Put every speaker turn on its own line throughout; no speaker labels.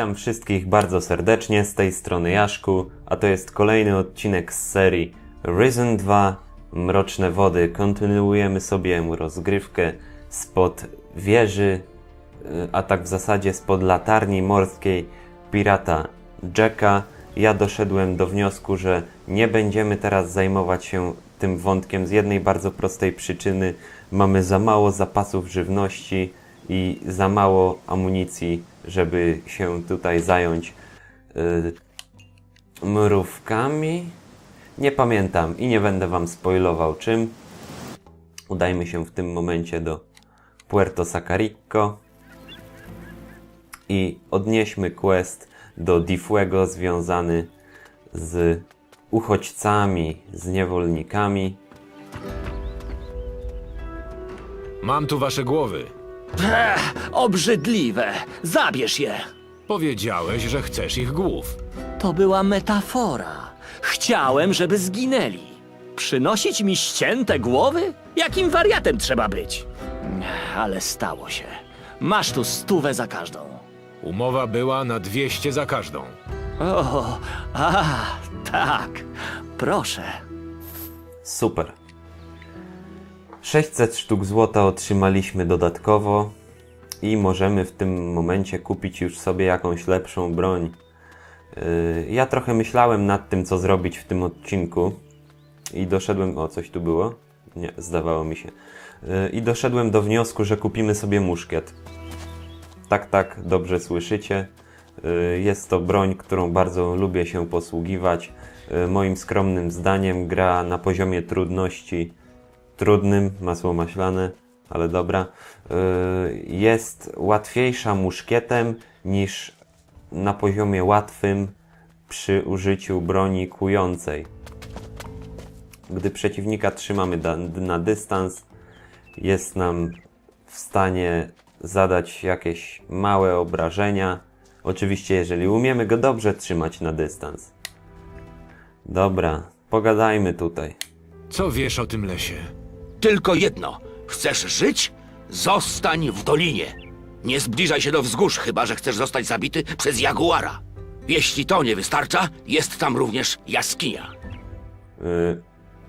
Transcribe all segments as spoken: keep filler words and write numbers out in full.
Witam wszystkich bardzo serdecznie, z tej strony Jaszku, a to jest kolejny odcinek z serii Risen dwa Mroczne Wody. Kontynuujemy sobie rozgrywkę spod wieży, a tak w zasadzie spod latarni morskiej pirata Jacka. Ja doszedłem do wniosku, że nie będziemy teraz zajmować się tym wątkiem z jednej bardzo prostej przyczyny. Mamy za mało zapasów żywności i za mało amunicji, żeby się tutaj zająć yy, mrówkami. Nie pamiętam i nie będę wam spoilował czym. Udajmy się w tym momencie do Puerto Sacarico i odnieśmy quest do Di Fuego związany z uchodźcami, z niewolnikami.
Mam tu wasze głowy.
Ech, obrzydliwe! Zabierz je!
Powiedziałeś, że chcesz ich głów.
To była metafora. Chciałem, żeby zginęli. Przynosić mi ścięte głowy? Jakim wariatem trzeba być? Ech, ale stało się. Masz tu stówę za każdą.
Umowa była na dwieście za każdą.
O, a, tak. Proszę.
Super. sześćset sztuk złota otrzymaliśmy dodatkowo i możemy w tym momencie kupić już sobie jakąś lepszą broń. Yy, ja trochę myślałem nad tym, co zrobić w tym odcinku i doszedłem... O, coś tu było? Nie, zdawało mi się. Yy, I doszedłem do wniosku, że kupimy sobie muszkiet. Tak, tak, dobrze słyszycie. Yy, jest to broń, którą bardzo lubię się posługiwać. Yy, moim skromnym zdaniem gra na poziomie trudności trudnym, masło maślane, ale dobra, yy, jest łatwiejsza muszkietem niż na poziomie łatwym przy użyciu broni kłującej. Gdy przeciwnika trzymamy da, na dystans, jest nam w stanie zadać jakieś małe obrażenia. Oczywiście, jeżeli umiemy go dobrze trzymać na dystans. Dobra, pogadajmy tutaj.
Co wiesz o tym lesie?
Tylko jedno. Chcesz żyć? Zostań w dolinie. Nie zbliżaj się do wzgórz, chyba że chcesz zostać zabity przez jaguara. Jeśli to nie wystarcza, jest tam również jaskinia.
Yy,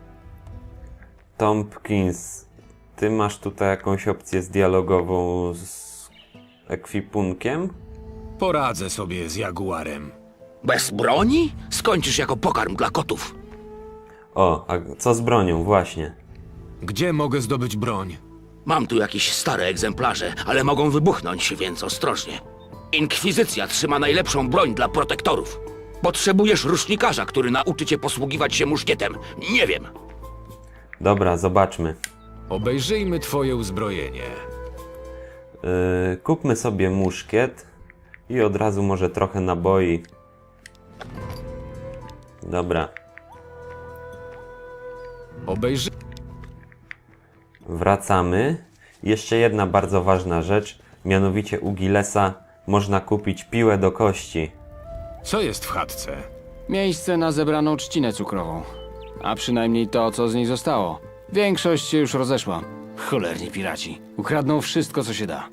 Tompkins, ty masz tutaj jakąś opcję zdialogową z ekwipunkiem?
Poradzę sobie z jaguarem.
Bez broni? Skończysz jako pokarm dla kotów.
O, a co z bronią? Właśnie.
Gdzie mogę zdobyć broń?
Mam tu jakieś stare egzemplarze, ale mogą wybuchnąć, więc ostrożnie. Inkwizycja trzyma najlepszą broń dla protektorów. Potrzebujesz rusznikarza, który nauczy cię posługiwać się muszkietem. Nie wiem.
Dobra, zobaczmy.
Obejrzyjmy twoje uzbrojenie.
Yy, kupmy sobie muszkiet i od razu może trochę naboi. Dobra.
Obejrzy...
Wracamy. Jeszcze jedna bardzo ważna rzecz, mianowicie u Gillesa można kupić piłę do kości.
Co jest w chatce?
Miejsce na zebraną trzcinę cukrową. A przynajmniej to, co z niej zostało. Większość się już rozeszła. Cholerni piraci. Ukradną wszystko, co się da.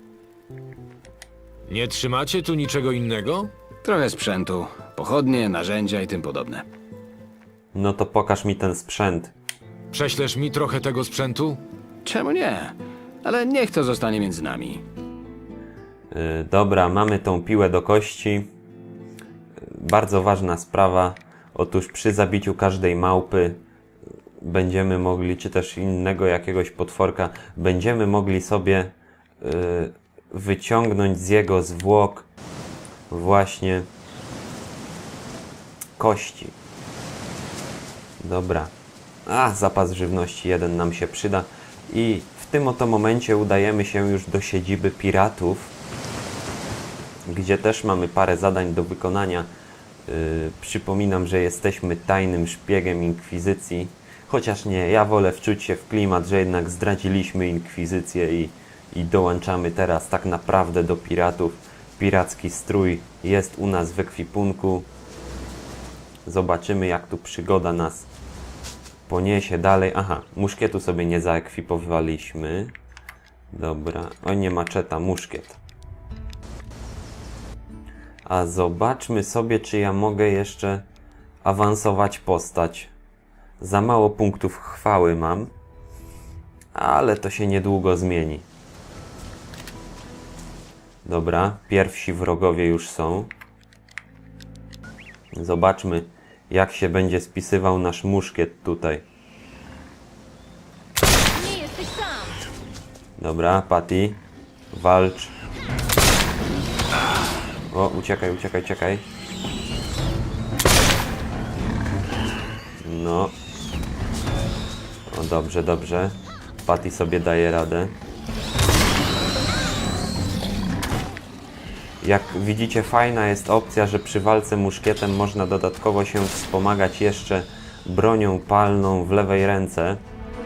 Nie trzymacie tu niczego innego?
Trochę sprzętu, pochodnie, narzędzia i tym podobne.
No to pokaż mi ten sprzęt.
Prześlesz mi trochę tego sprzętu?
Czemu nie? Ale niech to zostanie między nami.
Yy, dobra, mamy tą piłę do kości. Yy, bardzo ważna sprawa. Otóż przy zabiciu każdej małpy będziemy mogli, czy też innego jakiegoś potworka, będziemy mogli sobie yy, wyciągnąć z jego zwłok właśnie kości. Dobra. A, zapas żywności jeden nam się przyda. I w tym oto momencie udajemy się już do siedziby piratów, gdzie też mamy parę zadań do wykonania. Yy, przypominam, że jesteśmy tajnym szpiegiem Inkwizycji. Chociaż nie, ja wolę wczuć się w klimat, że jednak zdradziliśmy Inkwizycję i, i dołączamy teraz tak naprawdę do piratów. Piracki strój jest u nas w ekwipunku. Zobaczymy, jak tu przygoda nas poniesie dalej. Aha, muszkietu sobie nie zaekwipowaliśmy. Dobra, o nie, maczeta, muszkiet. A zobaczmy sobie, czy ja mogę jeszcze awansować postać. Za mało punktów chwały mam, ale to się niedługo zmieni. Dobra, pierwsi wrogowie już są. Zobaczmy, jak się będzie spisywał nasz muszkiet tutaj.
Nie jesteś sam!
Dobra, Patty, walcz. O, uciekaj, uciekaj, uciekaj. No. O, dobrze, dobrze. Patty sobie daje radę. Jak widzicie, fajna jest opcja, że przy walce muszkietem można dodatkowo się wspomagać jeszcze bronią palną w lewej ręce.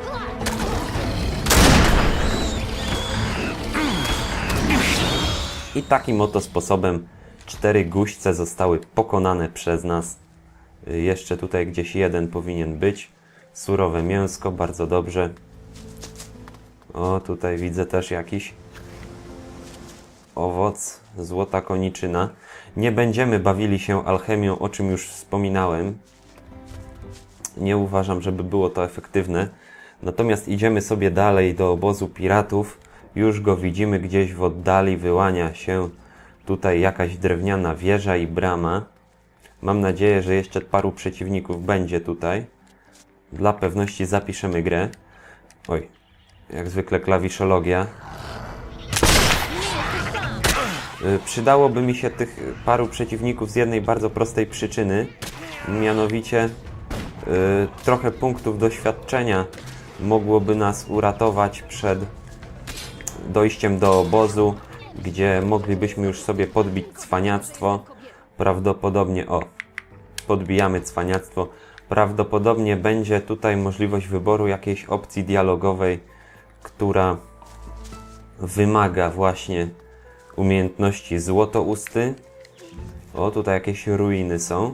I takim oto sposobem cztery guźce zostały pokonane przez nas. Jeszcze tutaj gdzieś jeden powinien być. Surowe mięsko, bardzo dobrze. O, tutaj widzę też jakiś owoc, złota koniczyna. Nie będziemy bawili się alchemią, o czym już wspominałem. Nie uważam, żeby było to efektywne. Natomiast idziemy sobie dalej do obozu piratów. Już go widzimy gdzieś w oddali, wyłania się tutaj jakaś drewniana wieża i brama. Mam nadzieję, że jeszcze paru przeciwników będzie tutaj. Dla pewności zapiszemy grę. Oj, jak zwykle klawiszologia. Yy, przydałoby mi się tych paru przeciwników z jednej bardzo prostej przyczyny. Mianowicie yy, trochę punktów doświadczenia mogłoby nas uratować przed dojściem do obozu, gdzie moglibyśmy już sobie podbić cwaniactwo. Prawdopodobnie, o, podbijamy cwaniactwo. Prawdopodobnie będzie tutaj możliwość wyboru jakiejś opcji dialogowej, która wymaga właśnie umiejętności złotousty. O, tutaj jakieś ruiny są.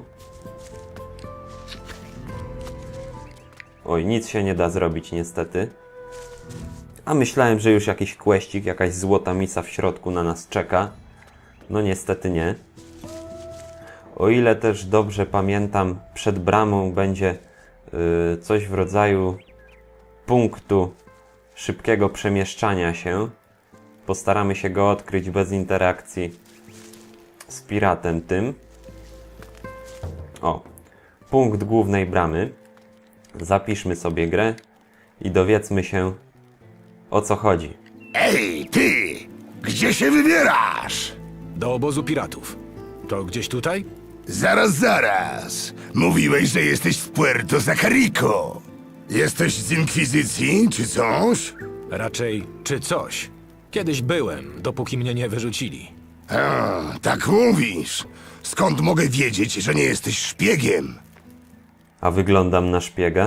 Oj, nic się nie da zrobić niestety. A myślałem, że już jakiś questik, jakaś złota misa w środku na nas czeka. No niestety nie. O ile też dobrze pamiętam, przed bramą będzie yy, coś w rodzaju punktu szybkiego przemieszczania się. Postaramy się go odkryć bez interakcji z piratem tym. O, punkt głównej bramy. Zapiszmy sobie grę i dowiedzmy się, o co chodzi.
Ej, ty! Gdzie się wybierasz?
Do obozu piratów. To gdzieś tutaj?
Zaraz, zaraz. Mówiłeś, że jesteś z Puerto Zacarico. Jesteś z Inkwizycji, czy coś?
Raczej czy coś. Kiedyś byłem, dopóki mnie nie wyrzucili.
A, tak mówisz. Skąd mogę wiedzieć, że nie jesteś szpiegiem?
A wyglądam na szpiega?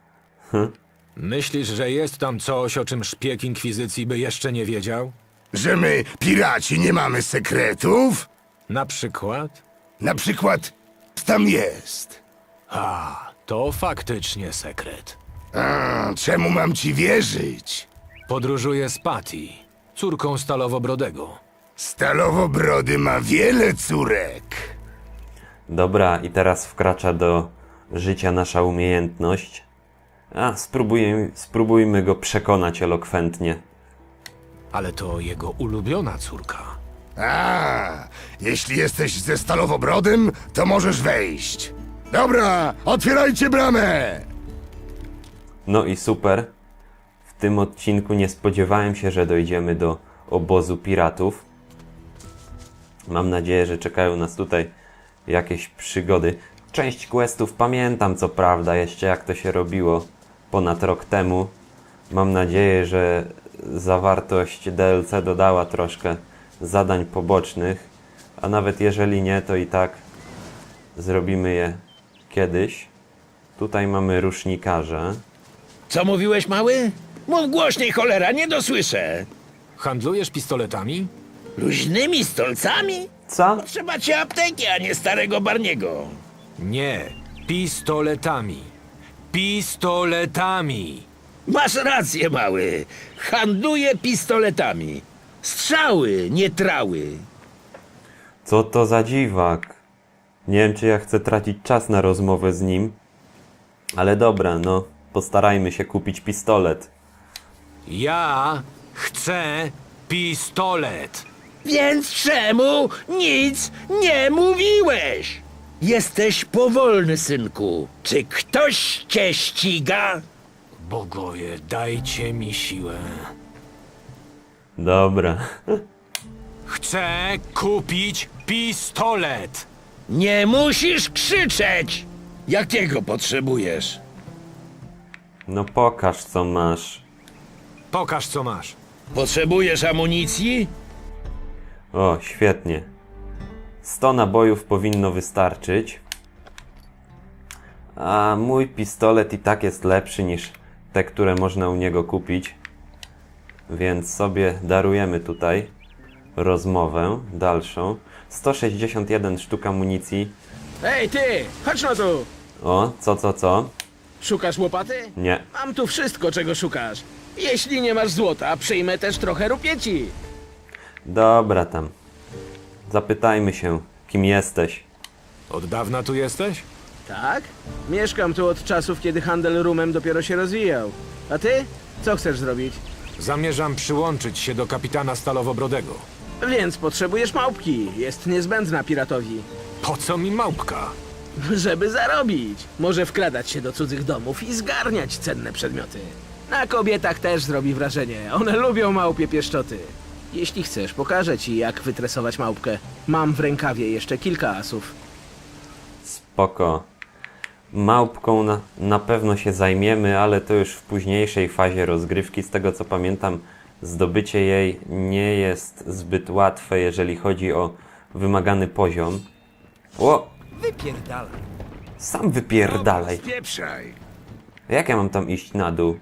Myślisz, że jest tam coś, o czym szpieg Inkwizycji by jeszcze nie wiedział?
Że my, piraci, nie mamy sekretów?
Na przykład?
Na przykład, tam jest.
A, to faktycznie sekret.
A, czemu mam ci wierzyć?
Podróżuję z Patty, córką Stalowobrodego.
Stalowobrody ma wiele córek.
Dobra, i teraz wkracza do życia nasza umiejętność. A, spróbujmy, spróbujmy go przekonać elokwentnie.
Ale to jego ulubiona córka.
A, jeśli jesteś ze Stalowobrodem, to możesz wejść. Dobra, otwierajcie bramę!
No i super. W tym odcinku nie spodziewałem się, że dojdziemy do obozu piratów. Mam nadzieję, że czekają nas tutaj jakieś przygody. Część questów pamiętam, co prawda, jeszcze jak to się robiło ponad rok temu. Mam nadzieję, że zawartość D L C dodała troszkę zadań pobocznych, a nawet jeżeli nie, to i tak zrobimy je kiedyś. Tutaj mamy rusznikarza.
Co mówiłeś, mały? Mów głośniej, cholera, nie dosłyszę.
Handlujesz pistoletami?
Luźnymi stolcami?
Co?
Trzeba ci apteki, a nie starego Barniego.
Nie, pistoletami. Pistoletami!
Masz rację, mały. Handluję pistoletami. Strzały, nie trały.
Co Co to za dziwak? Nie wiem, czy ja chcę tracić czas na rozmowę z nim. Ale dobra, no. Postarajmy się kupić pistolet.
Ja chcę pistolet.
Więc czemu nic nie mówiłeś? Jesteś powolny, synku. Czy ktoś cię ściga?
Bogowie, dajcie mi siłę.
Dobra.
Chcę kupić pistolet.
Nie musisz krzyczeć! Jakiego potrzebujesz?
No pokaż, co masz.
Pokaż, co masz.
Potrzebujesz amunicji?
O, świetnie. sto nabojów powinno wystarczyć. A mój pistolet i tak jest lepszy niż te, które można u niego kupić. Więc sobie darujemy tutaj rozmowę dalszą. sto sześćdziesiąt jeden sztuk amunicji.
Ej, ty! Chodź no tu!
O, co, co, co?
Szukasz łopaty?
Nie.
Mam tu wszystko, czego szukasz. Jeśli nie masz złota, przyjmę też trochę rupieci.
Dobra tam. Zapytajmy się, kim jesteś.
Od dawna tu jesteś?
Tak? Mieszkam tu od czasów, kiedy handel rumem dopiero się rozwijał. A ty? Co chcesz zrobić?
Zamierzam przyłączyć się do kapitana Stalowobrodego.
Więc potrzebujesz małpki. Jest niezbędna piratowi.
Po co mi małpka?
Żeby zarobić. Może wkradać się do cudzych domów i zgarniać cenne przedmioty. Na kobietach też zrobi wrażenie. One lubią małpie pieszczoty. Jeśli chcesz, pokażę ci, jak wytresować małpkę. Mam w rękawie jeszcze kilka asów.
Spoko. Małpką na, na pewno się zajmiemy, ale to już w późniejszej fazie rozgrywki. Z tego co pamiętam, zdobycie jej nie jest zbyt łatwe, jeżeli chodzi o wymagany poziom. O!
Wypierdalaj.
Sam wypierdalaj.
Spieprzaj.
Jak ja mam tam iść na dół?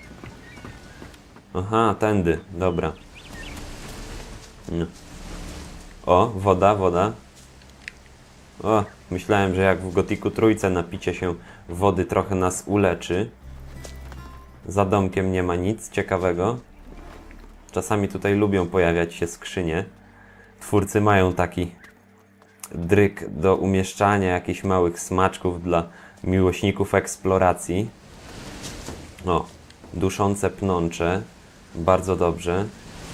Aha, tędy, dobra. No. O, woda, woda. O, myślałem, że jak w Gotiku trójce napicie się wody trochę nas uleczy. Za domkiem nie ma nic ciekawego. Czasami tutaj lubią pojawiać się skrzynie. Twórcy mają taki dryk do umieszczania jakichś małych smaczków dla miłośników eksploracji. O, duszące pnącze. Bardzo dobrze.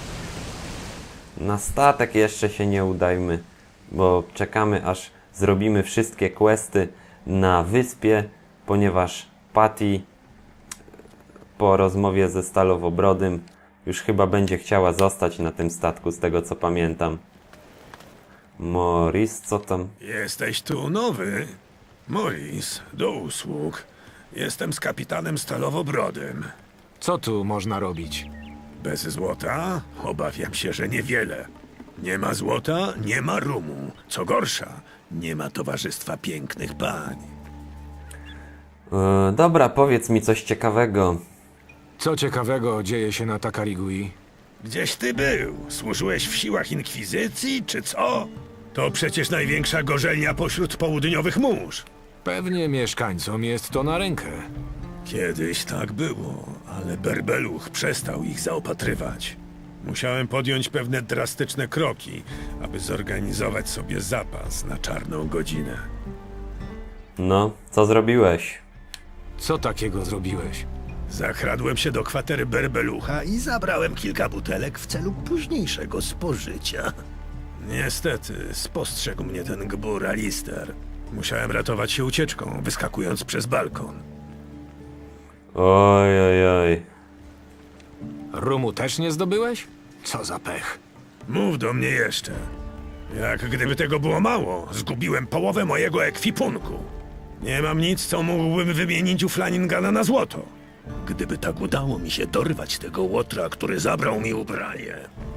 Na statek jeszcze się nie udajmy, bo czekamy aż zrobimy wszystkie questy na wyspie, ponieważ Patty po rozmowie ze Stalowobrodym już chyba będzie chciała zostać na tym statku, z tego co pamiętam. Morris, co tam?
Jesteś tu nowy? Morris, do usług. Jestem z kapitanem Stalowobrodym.
Co tu można robić?
Bez złota? Obawiam się, że niewiele. Nie ma złota, nie ma rumu. Co gorsza, nie ma towarzystwa pięknych pań.
E, dobra, powiedz mi coś ciekawego.
Co ciekawego dzieje się na Takarigui?
Gdzieś ty był? Służyłeś w siłach inkwizycji, czy co? To przecież największa gorzelnia pośród południowych mórz.
Pewnie mieszkańcom jest to na rękę.
Kiedyś tak było, ale Berbeluch przestał ich zaopatrywać. Musiałem podjąć pewne drastyczne kroki, aby zorganizować sobie zapas na czarną godzinę.
No, co zrobiłeś?
Co takiego zrobiłeś?
Zakradłem się do kwatery Berbelucha i zabrałem kilka butelek w celu późniejszego spożycia. Niestety, spostrzegł mnie ten gbur Alister. Musiałem ratować się ucieczką, wyskakując przez balkon.
Oj, oj, oj.
Rumu też nie zdobyłeś? Co za pech.
Mów do mnie jeszcze. Jak gdyby tego było mało, zgubiłem połowę mojego ekwipunku. Nie mam nic, co mógłbym wymienić u Flaningana na złoto. Gdyby tak udało mi się dorwać tego łotra, który zabrał mi ubranie.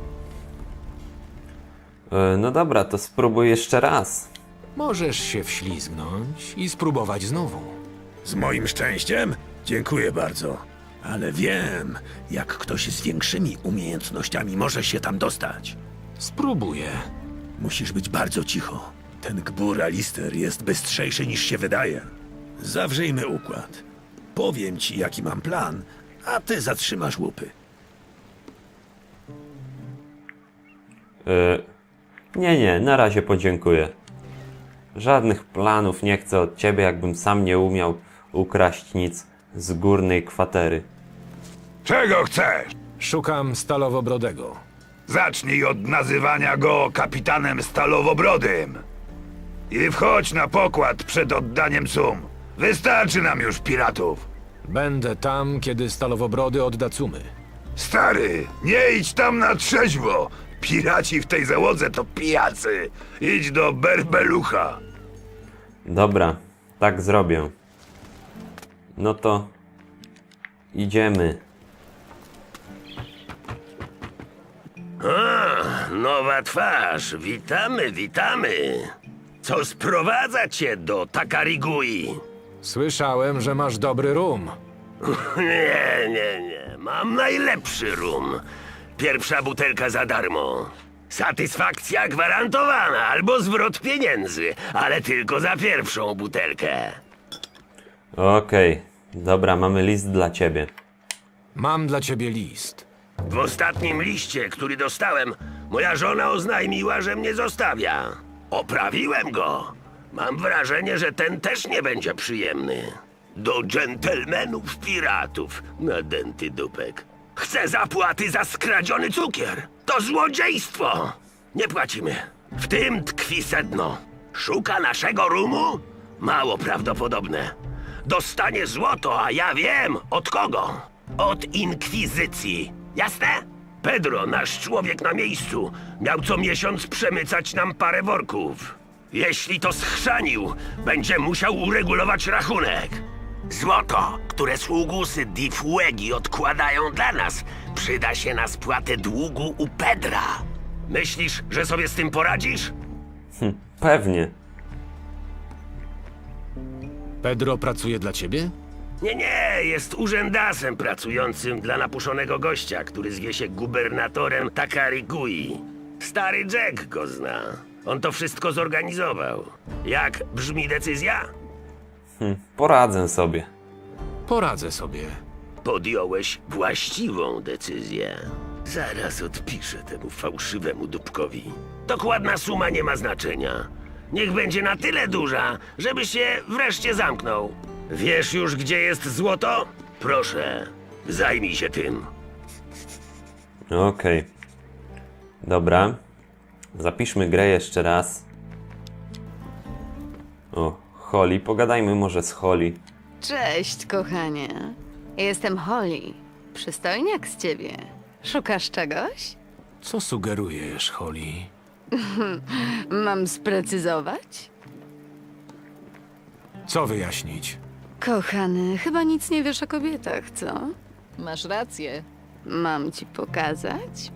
E, no dobra, to spróbuj jeszcze raz.
Możesz się wślizgnąć i spróbować znowu.
Z moim szczęściem? Dziękuję bardzo. Ale wiem, jak ktoś z większymi umiejętnościami może się tam dostać.
Spróbuję.
Musisz być bardzo cicho. Ten gbur Alister jest bystrzejszy niż się wydaje. Zawrzyjmy układ. Powiem ci, jaki mam plan, a ty zatrzymasz łupy.
E, Nie, nie, na razie podziękuję. Żadnych planów nie chcę od ciebie, jakbym sam nie umiał ukraść nic z górnej kwatery.
Czego chcesz?
Szukam Stalowobrodego.
Zacznij od nazywania go kapitanem Stalowobrodym. I wchodź na pokład przed oddaniem sum. Wystarczy nam już piratów.
Będę tam, kiedy Stalowobrody odda cumy.
Stary, nie idź tam na trzeźwo. Piraci w tej załodze to pijacy. Idź do Berbelucha.
Dobra, tak zrobię. No to idziemy.
Nowa twarz, witamy, witamy. Co sprowadza cię do Takarigui?
Słyszałem, że masz dobry rum.
Nie, nie, nie, mam najlepszy rum. Pierwsza butelka za darmo. Satysfakcja gwarantowana, albo zwrot pieniędzy, ale tylko za pierwszą butelkę.
Okej, dobra, mamy list dla ciebie.
Mam dla ciebie list.
W ostatnim liście, który dostałem, moja żona oznajmiła, że mnie zostawia. Oprawiłem go. Mam wrażenie, że ten też nie będzie przyjemny. Do dżentelmenów piratów, nadęty dupek. Chcę zapłaty za skradziony cukier. To złodziejstwo. Nie płacimy. W tym tkwi sedno. Szuka naszego rumu? Mało prawdopodobne. Dostanie złoto, a ja wiem od kogo. Od inkwizycji. Jasne? Pedro, nasz człowiek na miejscu, miał co miesiąc przemycać nam parę worków. Jeśli to schrzanił, będzie musiał uregulować rachunek. Złoto, które sługusy Di Fuegi odkładają dla nas, przyda się na spłatę długu u Pedra. Myślisz, że sobie z tym poradzisz?
Pewnie.
Pedro pracuje dla ciebie?
Nie, nie, jest urzędasem pracującym dla napuszonego gościa, który zwie się gubernatorem Takarigui. Stary Jack go zna. On to wszystko zorganizował. Jak brzmi decyzja?
Hm, poradzę sobie.
Poradzę sobie.
Podjąłeś właściwą decyzję. Zaraz odpiszę temu fałszywemu dupkowi. Dokładna suma nie ma znaczenia. Niech będzie na tyle duża, żeby się wreszcie zamknął. Wiesz już, gdzie jest złoto? Proszę, zajmij się tym.
Okej. Dobra. Zapiszmy grę jeszcze raz. O, Holly. Pogadajmy może z Holly.
Cześć, kochanie. Jestem Holly. Przystojniak z ciebie. Szukasz czegoś?
Co sugerujesz, Holly?
Mam sprecyzować?
Co wyjaśnić?
Kochany, chyba nic nie wiesz o kobietach, co? Masz rację. Mam ci pokazać?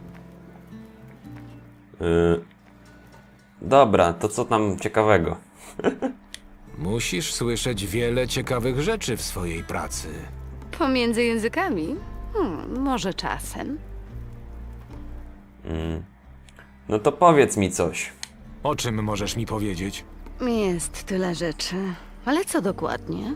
Yy... Dobra, to co tam ciekawego?
Musisz słyszeć wiele ciekawych rzeczy w swojej pracy.
Pomiędzy językami? Hmm, może czasem.
No to powiedz mi coś.
O czym możesz mi powiedzieć?
Jest tyle rzeczy. Ale co dokładnie?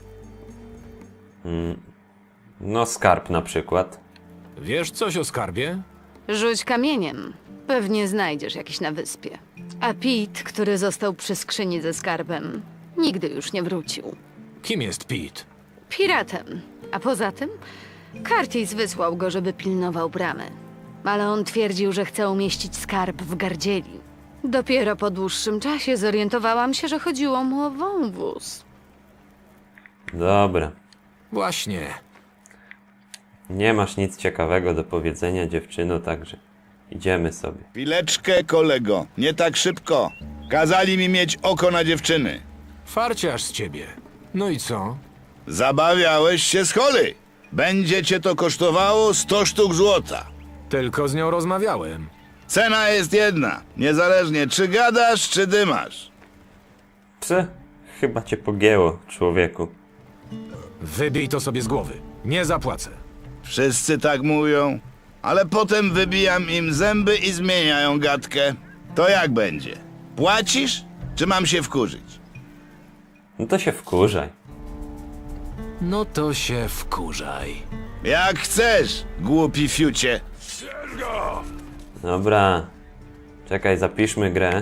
No skarb na przykład.
Wiesz coś o skarbie?
Rzuć kamieniem. Pewnie znajdziesz jakiś na wyspie. A Pete, który został przy skrzyni ze skarbem, nigdy już nie wrócił.
Kim jest Pete?
Piratem. A poza tym, Curtis wysłał go, żeby pilnował bramy. Ale on twierdził, że chce umieścić skarb w gardzieli. Dopiero po dłuższym czasie zorientowałam się, że chodziło mu o wąwóz.
Dobra.
Właśnie.
Nie masz nic ciekawego do powiedzenia, dziewczyno, także idziemy sobie.
Chwileczkę, kolego, nie tak szybko. Kazali mi mieć oko na dziewczyny.
Farciarz z ciebie. No i co?
Zabawiałeś się z Holly. Będzie cię to kosztowało sto sztuk złota.
Tylko z nią rozmawiałem.
Cena jest jedna, niezależnie czy gadasz, czy dymasz.
Psy, chyba cię pogięło, człowieku.
Wybij to sobie z głowy. Nie zapłacę.
Wszyscy tak mówią, ale potem wybijam im zęby i zmieniają gadkę. To jak będzie? Płacisz, czy mam się wkurzyć?
No to się wkurzaj.
No to się wkurzaj.
Jak chcesz, głupi fiucie.
Dobra. Czekaj, zapiszmy grę.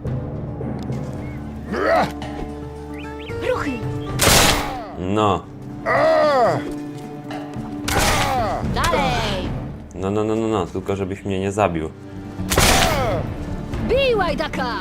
Ruchy!
No.
Dalej!
No, no, no, no, no, tylko żebyś mnie nie zabił.
Bij łajdaka!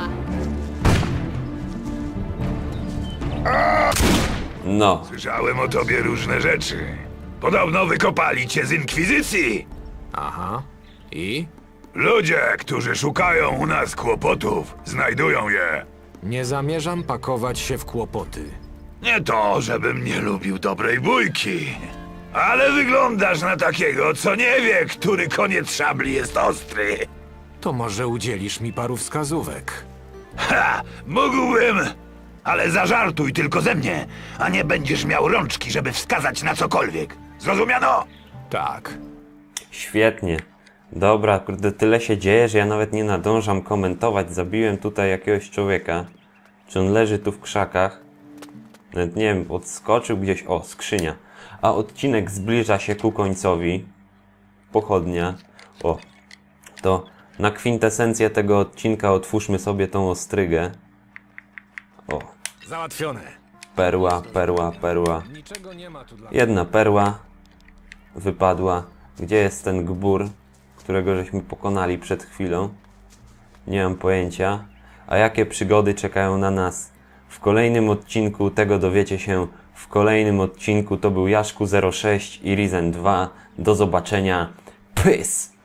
No.
Słyszałem o tobie różne rzeczy. Podobno wykopali cię z inkwizycji.
Aha. I?
Ludzie, którzy szukają u nas kłopotów, znajdują je.
Nie zamierzam pakować się w kłopoty.
Nie to, żebym nie lubił dobrej bójki, ale wyglądasz na takiego, co nie wie, który koniec szabli jest ostry.
To może udzielisz mi paru wskazówek.
Ha! Mógłbym, ale zażartuj tylko ze mnie, a nie będziesz miał rączki, żeby wskazać na cokolwiek. Zrozumiano?
Tak.
Świetnie. Dobra, kurde, tyle się dzieje, że ja nawet nie nadążam komentować. Zabiłem tutaj jakiegoś człowieka. Czy on leży tu w krzakach? Nawet nie wiem, odskoczył gdzieś. O, skrzynia. A odcinek zbliża się ku końcowi. Pochodnia. O, to na kwintesencję tego odcinka otwórzmy sobie tą ostrygę. O,
Załatwione.
perła, perła, perła.
Niczego nie ma tu dla...
Jedna perła wypadła. Gdzie jest ten gbur, którego żeśmy pokonali przed chwilą? Nie mam pojęcia. A jakie przygody czekają na nas w kolejnym odcinku? Tego dowiecie się w kolejnym odcinku. To był Jaszku zero sześć i Risen dwa. Do zobaczenia. Pys!